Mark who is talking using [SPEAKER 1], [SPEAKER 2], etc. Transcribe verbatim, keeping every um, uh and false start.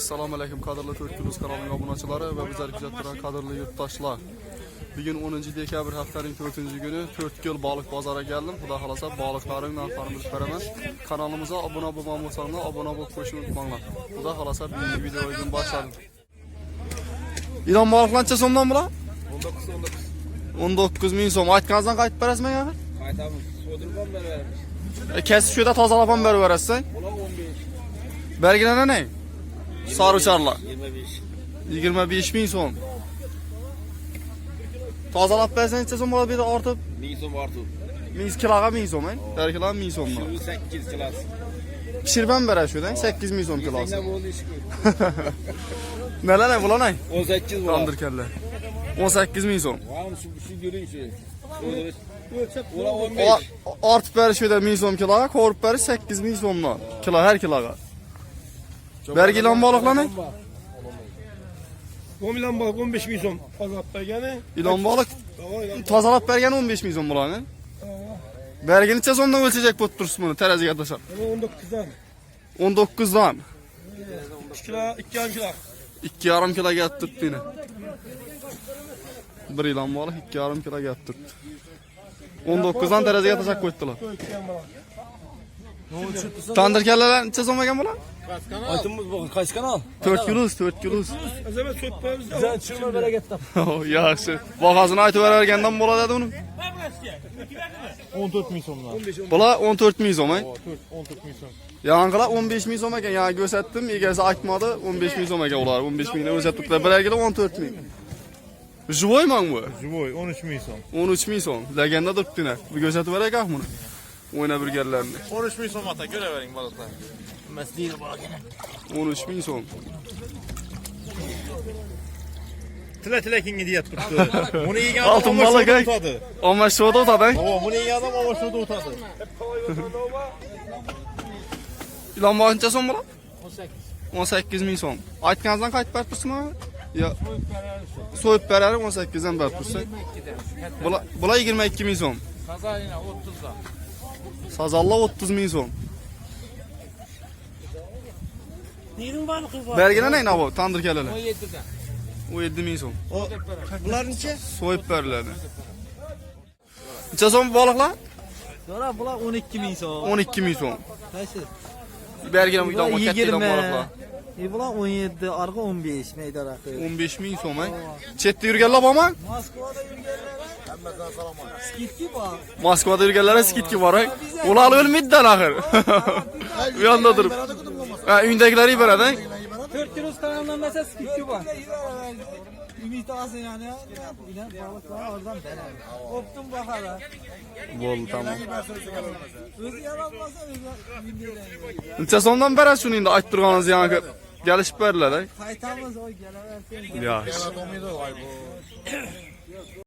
[SPEAKER 1] Assalamu alaykum qadrli to'rt kunuz kanalining obunachilari va bizlar kuzatib turgan qadrli yurtdoshlar. Bugun o'ninchi dekabr haftaning to'rtinchi kuni to'rt ko'l baliq bozoriga keldim. Xudo xolasa baliqlarning narxlarini bilib beraman. Kanalimizga obuna bo'lmasangiz, obuna bo'lib qo'yishni unutmanglar. Xudo xolasa bugungi videoyni boshladik. İran baliqlancha so'mdan bular? o'n to'qqiz ming so'm. Aytganingizdan qaytib berasizmi axir?
[SPEAKER 2] Qaytamiz. So'dirgan beramiz.
[SPEAKER 1] E, kesib shu yerda tozalab ham berib berasiz.
[SPEAKER 2] Ular o'n besh.
[SPEAKER 1] Belgilana ne? Sarıçarlar.
[SPEAKER 2] yigirma besh.
[SPEAKER 1] yigirma besh ming so'm. Tozalab bersan necha so'm bo'ladi bu yerda ortib?
[SPEAKER 2] ming so'm ortib.
[SPEAKER 1] ming kiloga ming so'm, eh? Har kilo ming so'm.
[SPEAKER 2] sakkiz kilosi.
[SPEAKER 1] Pishirib ham berasizda, sakkiz ming so'm kilosi.
[SPEAKER 2] Nima bo'ldi ish ko'p.
[SPEAKER 1] Nelar ne bular ne?
[SPEAKER 2] o'n sakkiz bo'ladi.
[SPEAKER 1] Tandirkanlar. o'n sakkiz ming so'm.
[SPEAKER 2] Vau, shu shu ko'ring shu. Ular o'n besh.
[SPEAKER 1] Ortib berish yerda ming so'm kiloga, ko'rib berish sakkiz ming so'mdan. Kilo har kiloga. Bergilan baliqlarni?
[SPEAKER 3] o'n milyon balık on besh ming so'm tozalab bergani.
[SPEAKER 1] İlon baliq tozalab bergani o'n besh ming so'm bularni. Bergi necha so'mdan o'lchayajak bo'lib turibsiz buni teraziga tashlab?
[SPEAKER 3] o'n to'qqizdan.
[SPEAKER 1] o'n to'qqizdan.
[SPEAKER 3] ikki kilo, ikki yarim kilo.
[SPEAKER 1] ikki yarim kilo gap turibdi yine. Bir ilon baliq ikki yarim kilo gap turibdi. o'n to'qqizdan teraziga tashlab qo'ydilar. Tandir kallalar necha so'm ekan bular?
[SPEAKER 2] Aytimiz bu qaysi kanal?
[SPEAKER 1] to'rt kilos, to'rt kilos.
[SPEAKER 3] Azamat so'tpamiz.
[SPEAKER 2] Sen chiqma bereketdan.
[SPEAKER 1] Yaxshi. Bahosini aytib bergandan bo'ladi uni.
[SPEAKER 3] o'n to'rt ming so'mdan.
[SPEAKER 1] Bular o'n to'rt ming so'm, eh?
[SPEAKER 3] o'n to'rt ming so'm.
[SPEAKER 1] Yangilar o'n besh ming so'm ekan. Yani ko'rsatdim, egasi aytmadi, o'n besh ming so'm ekan ular. o'n besh mingdan o'rsatibdilar. Birargila o'n to'rt ming. Живой mang bu?
[SPEAKER 3] Живой o'n uch ming so'm.
[SPEAKER 1] o'n uch ming so'm. Legenda turibdi-ne. Bu ko'rsatib berakah buni. O'ynab yurganlarni.
[SPEAKER 3] o'n uch ming so'm ata ko'ravering balıklar. Masdiydi balıklar.
[SPEAKER 1] o'n uch ming so'm.
[SPEAKER 3] Tila tilakinga deyap turibdi. Buni yegan
[SPEAKER 1] Altın
[SPEAKER 3] adam
[SPEAKER 1] balık,
[SPEAKER 3] omoshda
[SPEAKER 1] eh?
[SPEAKER 3] o'tadi.
[SPEAKER 1] Amma shoda o'tadi.
[SPEAKER 3] Baba, buni yegan adam omoshda o'tadi.
[SPEAKER 1] Ilon baliqcha so'm bular? o'n sakkiz ming so'm. Aytganingizdan qaytib berib tursinmi? Yo. So'yib berarim o'n sakkizdan berib tursa. Bular bular yigirma ikki ming so'm.
[SPEAKER 2] Sazalina o'ttizdan.
[SPEAKER 1] Sazallar o'ttiz ming so'm.
[SPEAKER 3] Neyin balığı var?
[SPEAKER 1] Bergina ne bu? Tandir kalalar.
[SPEAKER 2] o'n yeddidan.
[SPEAKER 1] o'n yetti ming so'm.
[SPEAKER 3] Bular necha?
[SPEAKER 1] So'yib beriladi. Necha so'm baliqlar?
[SPEAKER 4] Sonra bular o'n ikki ming so'm.
[SPEAKER 1] o'n ikki ming so'm.
[SPEAKER 4] Qaysi?
[SPEAKER 1] Bergina bu
[SPEAKER 4] Bular
[SPEAKER 1] katta ilon baliqlar.
[SPEAKER 4] E bular o'n yetti, arqa o'n besh maydon aqi.
[SPEAKER 1] o'n besh ming so'm, eh? Chetda yurganlar bormi?
[SPEAKER 4] Moskvada yurganlar hammadan salomon. Skitki bor.
[SPEAKER 1] Moskvada yurganlar skitki bor, eh? Ular o'lmaydi axir. Bu yoqda turib. Ha, uydagilar beradi, eh?
[SPEAKER 4] to'rt kilo kanallanmasa skitki bor. Ümit olsin yani. Ilan balıklar oradan beradi. Optum bahara.
[SPEAKER 1] Bo'ldi, tamam.
[SPEAKER 4] O'zi yaratmasa o'zi
[SPEAKER 1] Necha so'mdan berasiz shuni endi aytib turganingiz yangi kelishib beriladi, eh?
[SPEAKER 4] qaytamiz oy kelaversin.
[SPEAKER 1] Yaxshi.